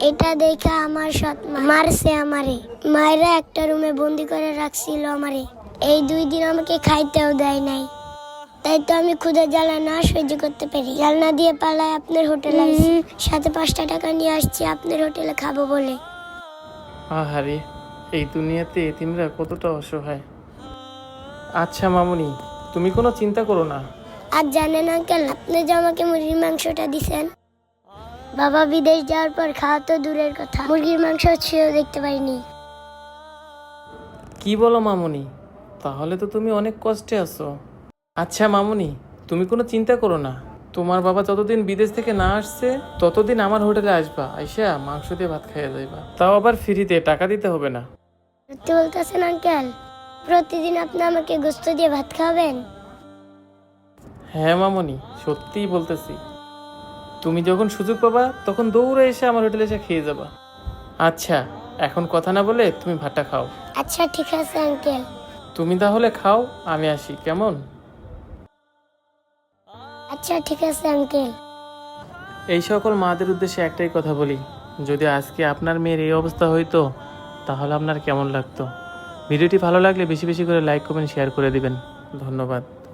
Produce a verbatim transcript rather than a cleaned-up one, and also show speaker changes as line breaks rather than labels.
এটা দেখে আমার সৎ মা মারছে আমারে। মায়েরা একটা রুমে বন্দি করে রাখছিল আমারে। এই দুই দিন আমাকে খাইতেও দেয় নাই। তাই তো আমি ক্ষুধা জ্বালা না সহ্য করতে পারি জানলা দিয়ে পালায় আপনার হোটেলে আসছি। সাথে পাঁচটা টাকা নিয়ে আসছি আপনার হোটেলে খাবো বলে।
আহারে, এই দুনিয়াতে এতিমরা কতটা অসহায়। আচ্ছা মামুনি, তুমি কোনো চিন্তা করো না।
আর জানেন আঙ্কেল, আপনি যে আমাকে মুরগির মাংসটা দিছেন, বাবা বিদেশ যাওয়ার পর খাওয়া তো দূরের কথা, মুরগির মাংস ছুঁয়েও দেখতে পারিনি।
কি বলো মামুনি? তাহলে তো তুমি অনেক কষ্টে আছো। আচ্ছা মামুনি, তুমি কোনো চিন্তা করো না। তোমার বাবা যতদিন বিদেশ থেকে না আসছে ততদিন আমার হোটেলে আসবা, আইসা মাংস দিয়ে ভাত খাইয়া যাইবা, তাও আবার ফ্রিতে, টাকা দিতে হবে না।
সত্যি বলতেছেন আঙ্কেল? প্রতিদিন আপনি আমাকে গোস্ত দিয়ে ভাত খাওয়াবেন?
হ্যাঁ মামুনি, সত্যিই বলতেছি। তুমি যখন সুযোগ পাবা তখন দৌড়ে এসে আমার হোটেলে এসে খেয়ে যাবা। আচ্ছা, এখন কথা না বলে তুমি ভাতটা খাও।
আচ্ছা ঠিক আছে আঙ্কেল।
তুমি তাহলে খাও, আমি আসি, কেমন?
আচ্ছা ঠিক আছে আঙ্কেল।
এই সকল মাদের উদ্দেশ্যে একটাই কথা বলি, যদি আজকে আপনার মেয়ের এই অবস্থা হইতো তাহলে আপনার কেমন লাগতো? ভিডিওটি ভালো লাগলে বেশি বেশি করে লাইক কমেন্ট শেয়ার করে দিবেন। ধন্যবাদ।